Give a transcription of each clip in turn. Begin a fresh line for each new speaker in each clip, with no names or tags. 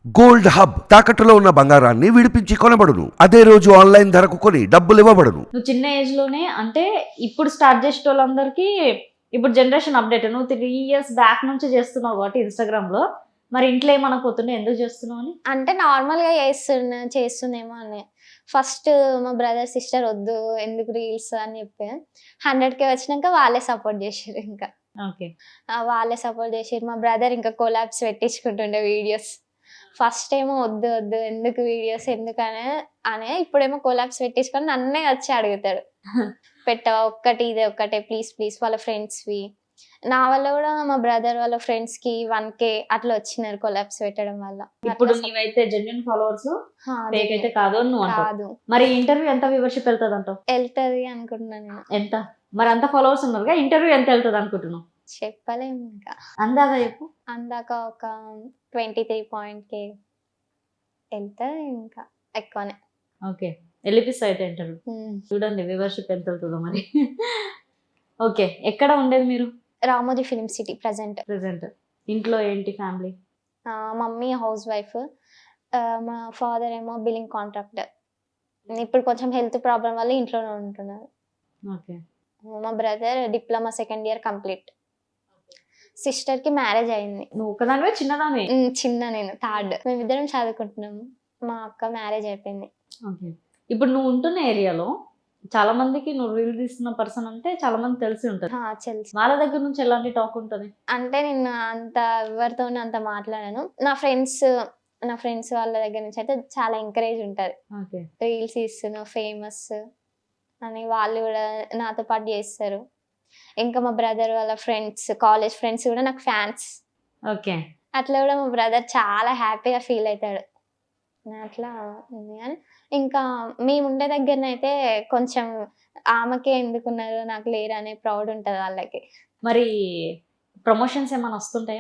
Gold hub తాకట్టులో ఉన్న బంగారాన్ని విడిపించి కొనబడును. అదే రోజు ఆన్లైన్ ధరకు కొని డబ్బులు ఇవ్వబడును.
నువ్వు చిన్న ఏజ్ లోనే అంటే ఇప్పుడు స్టార్ట్ చేసే వాళ్ళందరికీ ఇప్పుడు జనరేషన్ అప్డేట్. నువ్వు 3 years బ్యాక్ నుంచి చేస్తున్నావు కాబట్టి ఇన్స్టాగ్రామ్ లో, మరి ఇంట్లో ఏమనకపోతుండే ఎందుకు చేస్తున్నావు అని?
అంటే నార్మల్‌గా చేస్తుందేమో అని. ఫస్ట్ మా బ్రదర్, సిస్టర్ వద్దు ఎందుకు రీల్స్ అని చెప్పి 100K వచ్చినాక వాళ్ళే సపోర్ట్ చేసిర్రు ఇంకా.
ఓకే.
వాళ్ళే సపోర్ట్ చేసిర్రు. మా బ్రదర్ ఇంకా కొలాబ్స్ పెట్టించుకుంటుండే వీడియోస్. ఫస్ట్ ఏమో వద్దు వద్దు ఎందుకు వీడియోస్ ఎందుకనే ఇప్పుడేమో కొలాబ్స్ పెట్టించుకొని నన్నే వచ్చి అడుగుతాడు. పెట్టవా ఒక్కటి ఇదే ఒక్కటే ప్లీజ్ ప్లీజ్ వాళ్ళ ఫ్రెండ్స్వి. నా వల్ల కూడా మా బ్రదర్ వాళ్ళ ఫ్రెండ్స్ కి 1K అట్లా వచ్చినారు కొలాబ్స్ పెట్టడం వల్ల.
ఇప్పుడు నీవైతే జెన్యున్ ఫాలోవర్స్ ఫేక్ అయితే కాదు అని నువ్వు అంటావు.
కాదు
మరి ఇంటర్వ్యూ ఎంత వ్యూవర్షిప్ వెళ్తుంది అంటావు?
వెళ్తది అనుకుంటున్నా నేను.
ఎంత? మరి అంత ఫాలోవర్స్ ఉన్నారుగా, ఇంటర్వ్యూ ఎంత వెళ్తుంది అనుకుంటున్నావు?
చెప్పలేము ఇంకా.
అందాగా చెప్పు.
అందాక ఒక 23.K వెళ్తది ఇంకా ఎక్కువనే.
ఓకే, వెళ్ళిపిస్తా అయితే ఇంటర్వ్యూ. చూడండి వ్యూవర్షిప్ ఎంత వెళ్తుందో మరి. ఓకే, ఎక్కడ ఉండేది మీరు?
Ramoji film city present.
ఇంట్లో ఏంటి ఫ్యామిలీ?
మమ్మీ హౌస్ వైఫ్, మా ఫాదర్ ఏమో బిల్లింగ్ కాంట్రాక్టర్. ఇప్పుడు కొంచెం హెల్త్ ప్రాబ్లం వల్ల ఇంట్లోనే ఉంటున్నారు.
ఓకే.
మా brother diploma 2nd year complete. Sister కి మ్యారేజ్ అయింది.
నువ్వు ఒకదానివే చిన్నదానివే?
చిన్న, నేను థర్డ్. మేమిద్దరం చదువుకుంటున్నాము. మా అక్క మ్యారేజ్ అయిపోయింది.
ఓకే. ఇప్పుడు నువ్వు ఉంటున్న ఏరియాలో చాలా మందికి నువ్వు రీల్ తీస్తున్న పర్సన్ అంటే చాలా మంది తెలిసి ఉంటుంది.
తెలుసు.
వాళ్ళ దగ్గర నుంచి ఎలాంటి టాక్ ఉంటుంది?
అంటే నేను అంత ఎవరితోనే అంత మాట్లాడాను. నా ఫ్రెండ్స్ వాళ్ళ దగ్గర నుంచి అయితే చాలా ఎంకరేజ్ ఉంటుంది.
ఓకే.
రీల్స్ తీస్తున్నావు ఫేమస్ అని వాళ్ళు కూడా నాతో పాటు చేస్తారు. ఇంకా మా బ్రదర్ వాళ్ళ ఫ్రెండ్స్, కాలేజ్ ఫ్రెండ్స్ కూడా నాకు ఫ్యాన్స్.
ఓకే.
అట్లా కూడా మా బ్రదర్ చాలా హ్యాపీగా ఫీల్ అవుతాడు. అట్లా ఉంది. కానీ ఇంకా మేము ఉండే దగ్గరనైతే కొంచెం ఆమెకే ఎందుకున్నారు నాకు లేరు అనే ప్రౌడ్ ఉంటుంది వాళ్ళకి.
మరి ప్రమోషన్స్ ఏమైనా వస్తుంటాయా?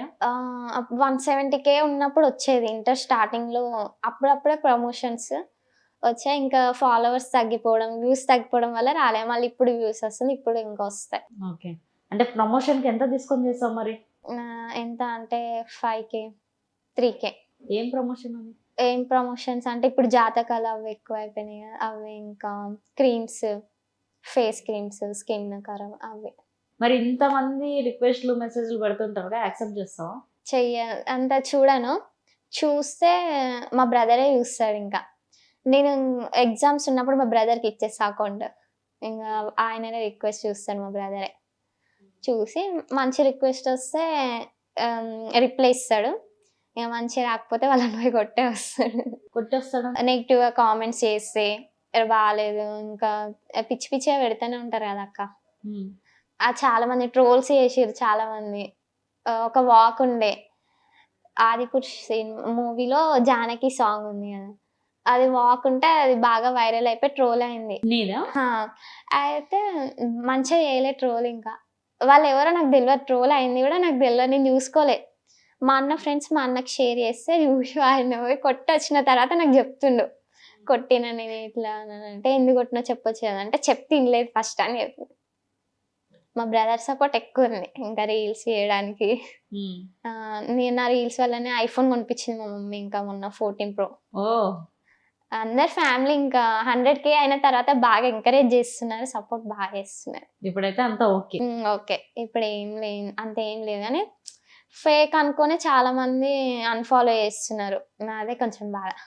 170K ఉన్నప్పుడు వచ్చేది ఇంటర్ స్టార్టింగ్ లో. అప్పుడప్పుడే ప్రమోషన్స్ వచ్చాయి. ఇంకా ఫాలోవర్స్ తగ్గిపోవడం, వ్యూస్ తగ్గిపోవడం వల్ల రాలే. మళ్ళీ ఇప్పుడు వ్యూస్ వస్తుంది, ఇప్పుడు ఇంకా వస్తాయి.
ఓకే. అంటే ప్రమోషన్ కి ఎంత తీసుకొని చేస్తావు మరి?
ఎంత అంటే 5K 3K.
ఏం ప్రమోషన్ అని?
ఏం ప్రమోషన్స్ అంటే ఇప్పుడు జాతకాలు అవి ఎక్కువ అయిపోయినాయి కదా, అవి ఇంకా క్రీమ్స్, ఫేస్ క్రీమ్స్, స్కిన్ కరం అవి.
మరి ఇంతమంది రిక్వెస్ట్లు మెసేజ్లు పెడుతుంటారు కదా, యాక్సెప్ట్ చేస్తావా?
అంత చూడను. చూస్తే మా బ్రదరే చూస్తాడు. ఇంకా నేను ఎగ్జామ్స్ ఉన్నప్పుడు మా బ్రదర్కి ఇచ్చేస్తా అకౌంట్. ఇంకా ఆయననే రిక్వెస్ట్ చూస్తాను మా బ్రదరే. చూసి మంచి రిక్వెస్ట్ వస్తే రిప్లై ఇస్తాడు. ఇక మంచి రాకపోతే వాళ్ళని పోయి
కొట్టేస్తాడు.
నెగిటివ్గా కామెంట్స్ చేస్తే బాగాలేదు, ఇంకా పిచ్చి పిచ్చిగా పెడుతూనే ఉంటారు కదా అక్క. చాలా మంది ట్రోల్స్ చేసిర్రు. చాలా మంది ఒక వాక్ ఉండే ఆదిపురుష్ మూవీలో జానకి సాంగ్ ఉంది కదా, అది వాక్ ఉంటే అది బాగా వైరల్ అయిపోయి ట్రోల్ అయింది. అయితే మంచిగా చేయలే ట్రోల్. ఇంకా వాళ్ళు ఎవరో నాకు తెలియదు, ట్రోల్ అయింది కూడా నాకు తెలియదు, నేను చూసుకోలే. మా అన్న ఫ్రెండ్స్ మా అన్నకి షేర్ చేస్తే చూసి ఆయన పోయి కొట్టి వచ్చిన తర్వాత నాకు చెప్తుండు, కొట్టిన నేను ఇట్లా అంటే ఎందుకు కొట్టినా చెప్పొచ్చు కదా అంటే చెప్తే తినలేదు ఫస్ట్ అని చెప్పింది. మా బ్రదర్ సపోర్ట్ ఎక్కువ ఉంది ఇంకా రీల్స్ చేయడానికి. నేను నా రీల్స్ వల్లనే ఐఫోన్ కొనిపించింది మా మమ్మీ ఇంకా మొన్న 14 Pro. అందరు ఫ్యామిలీ ఇంకా 100K అయిన తర్వాత బాగా ఎంకరేజ్ చేస్తున్నారు, సపోర్ట్ బాగా చేస్తున్నారు.
ఇప్పుడైతే అంతా ఓకే.
ఓకే, ఇప్పుడు అంత ఏం లేదు. కానీ ఫేక్ అనుకుని చాలా మంది అన్ఫాలో చేస్తున్నారు. నాదే కొంచెం బాధ.